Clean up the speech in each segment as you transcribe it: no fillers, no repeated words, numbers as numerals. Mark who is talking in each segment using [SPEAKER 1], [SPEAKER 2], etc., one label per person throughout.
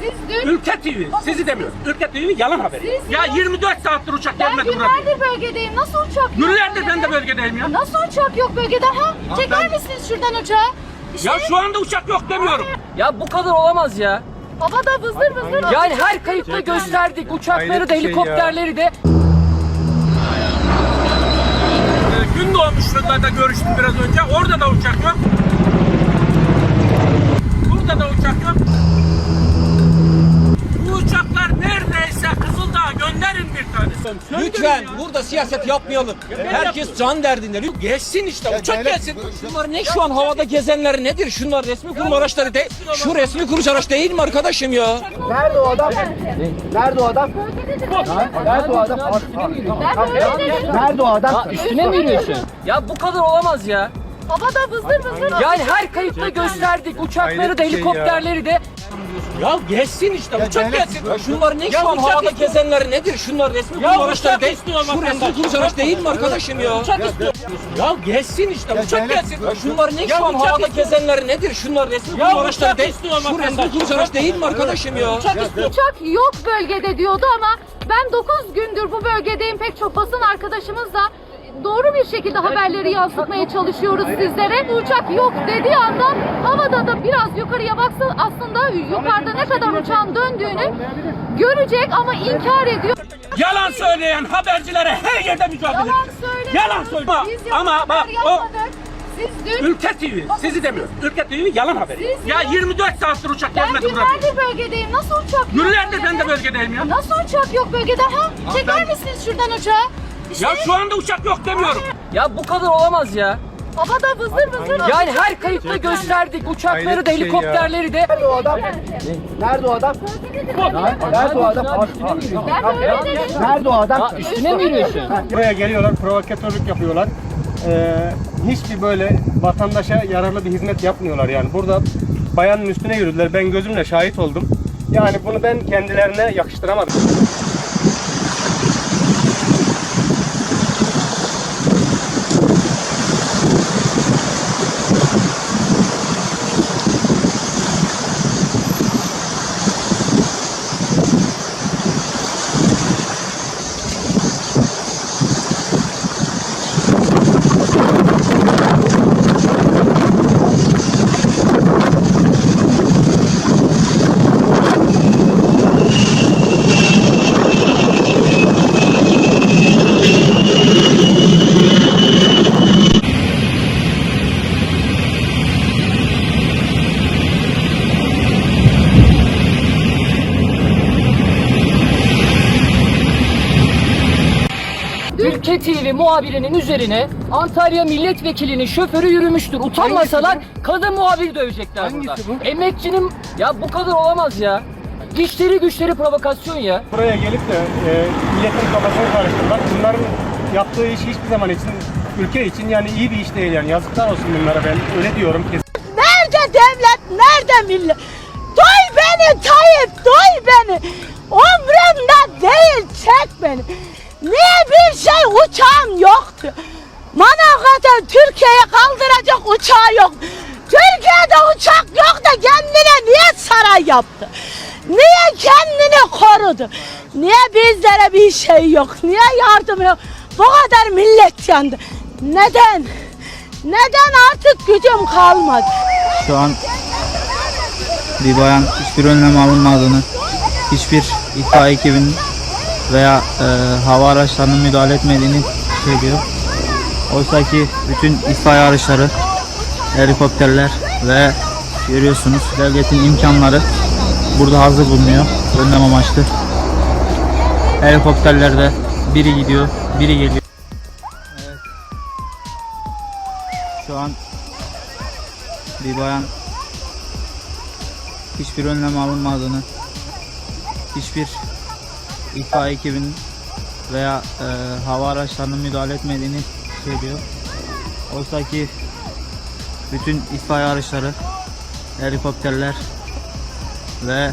[SPEAKER 1] Siz dün...
[SPEAKER 2] Ülke TV, sizi demiyorum. Ülke TV yalan haberi. Ya 24 saattir uçak
[SPEAKER 1] Ben
[SPEAKER 2] gelmedi buraya.
[SPEAKER 1] günlerdir bölgedeyim. Nasıl uçak yok?
[SPEAKER 2] Günlerdir ben de bölgedeyim ya.
[SPEAKER 1] Nasıl uçak yok bölgede ha? Çeker misiniz şuradan uçağı? İşte
[SPEAKER 2] Ya şu anda uçak yok demiyorum.
[SPEAKER 3] Ya bu kadar olamaz ya.
[SPEAKER 1] havada vızır vızır.
[SPEAKER 3] Yani her kayıtta gösterdik. Uçakları da helikopterleri de.
[SPEAKER 2] Gün doğmuşlarla da görüştüm biraz önce. Orada da uçak yok. Burada da uçak yok. Bu uçaklar neredeyse Kızıldağ'a gönderin bir tane.
[SPEAKER 4] Lütfen burada siyaset yapmayalım. Herkes can derdinde. Geçsin işte uçak gelsin. Şunlar ne şu an havada gezenler nedir? Şunlar resmi kurum araçları değil. Şu resmi kurum araç değil mi arkadaşım ya?
[SPEAKER 5] Nerede o adam? Nerede o adam? Nerede o adam? Nerede o adam?
[SPEAKER 3] Üstüne mi yürüyorsun? Ya bu kadar olamaz ya.
[SPEAKER 1] Havada vızır vızır.
[SPEAKER 3] Yani her kayıtta gösterdik. Uçakları da helikopterleri de.
[SPEAKER 4] Ya geçsin işte uçak gelsin. Şunlar ne şu an havada gezenler nedir? Şunlar resmi kurum araçları değil. Şu resmi kurum araç değil mi arkadaşım ya? Ya geçsin işte uçak gelsin. Şunlar ne şu an havada gezenler nedir? Şunlar resmi kurum araçları değil. Şu resmi kurum araç değil mi arkadaşım ya?
[SPEAKER 1] Uçak yok bölgede diyordu ama ben 9 gündür bu bölgedeyim. Pek çok basın arkadaşımızla doğru bir şekilde haberleri yansıtmaya çalışıyoruz sizlere. Bu uçak yok dediği anda havada da biraz yukarıya baksın, aslında yukarıda ne kadar uçağın döndüğünü görecek ama inkar ediyor.
[SPEAKER 2] Yalan söyleyen habercilere her yerde mücadele
[SPEAKER 1] Yalan
[SPEAKER 2] edeceğiz.
[SPEAKER 1] söyleme.
[SPEAKER 2] Yalan söyleme.
[SPEAKER 1] Biz
[SPEAKER 2] Ama bak o
[SPEAKER 1] yapmadık. Siz dün...
[SPEAKER 2] Ülke TV, sizi demiyorum. Ülke TV yalan haberi. Ya 24 saattir uçak
[SPEAKER 1] Ben
[SPEAKER 2] gelmedi buraya.
[SPEAKER 1] günlerdir bölgedeyim. Nasıl uçak yok?
[SPEAKER 2] Günlerdir ben de bölgedeyim ya.
[SPEAKER 1] Nasıl uçak yok bölgede ha? Çeker misiniz şuradan uçağı? İşte
[SPEAKER 2] Ya şu anda uçak yok demiyorum.
[SPEAKER 3] Ya bu kadar olamaz ya.
[SPEAKER 1] havada vızır vızır.
[SPEAKER 3] Yani her kayıtta gösterdik. Uçakları da helikopterleri de.
[SPEAKER 5] Nerede o adam? Nerede o adam? Nerede o adam?
[SPEAKER 1] Ben öyle dedim.
[SPEAKER 5] Nerede o adam?
[SPEAKER 3] Üstüne mi yürüyorsun?
[SPEAKER 6] Buraya geliyorlar, provokatörlük yapıyorlar. Hiçbir böyle vatandaşa yararlı bir hizmet yapmıyorlar yani. Burada bayanın üstüne yürüdüler. Ben gözümle şahit oldum. Yani bunu ben kendilerine yakıştıramadım.
[SPEAKER 3] Ülke TV muhabirinin üzerine Antalya milletvekilinin şoförü yürümüştür. Utanmasalar kadın muhabiri dövecekler burada. Emekçinin ya bu kadar olamaz ya. İşleri güçleri provokasyon ya.
[SPEAKER 6] Buraya gelip de milletin kafasını karıştırmak, bunların yaptığı iş hiçbir zaman için, ülke için yani iyi bir iş değil yani. Yazıklar olsun bunlara, ben öyle diyorum kesin.
[SPEAKER 7] Nerede devlet, nerede millet? Duy beni Tayyip, duy beni. Umrumda değil, çek beni. Niye bir şey uçağım yoktu? Manavgat'a Türkiye'ye kaldıracak uçağı yok. Türkiye'de uçak yok da kendine niye saray yaptı? Niye kendini korudu? Niye bizlere bir şey yok? Niye yardım yok? Bu kadar millet yandı. Neden? Neden artık gücüm kalmadı?
[SPEAKER 8] Şu an bir bayan hiçbir önlem alınmadığını, hiçbir itfaiye ekibinin veya hava araçlarının müdahale etmediğini söylüyor. Oysa ki bütün itfaiye araçları, helikopterler ve görüyorsunuz devletin imkanları burada hazır bulunuyor önlem amaçlı. Helikopterlerde biri gidiyor, biri geliyor. Evet. Şu an bir bayan hiçbir önlem alınmadığını, hiçbir itfaiye ekibinin veya hava araçlarının müdahale etmediğini söylüyor. Oysa ki bütün itfaiye araçları, helikopterler ve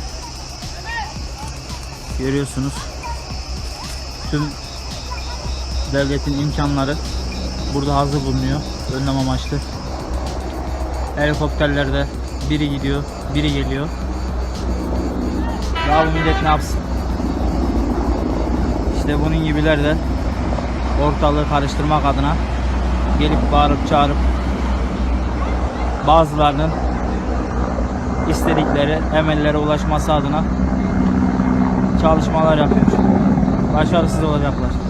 [SPEAKER 8] görüyorsunuz tüm devletin imkanları burada hazır bulunuyor önlem amaçlı. Helikopterlerde biri gidiyor, biri geliyor. Daha bu millet ne yapsın? İşte bunun gibiler de ortalığı karıştırmak adına gelip bağırıp çağırıp bazılarının istedikleri emellere ulaşması adına çalışmalar yapıyor. Başarısız olacaklar.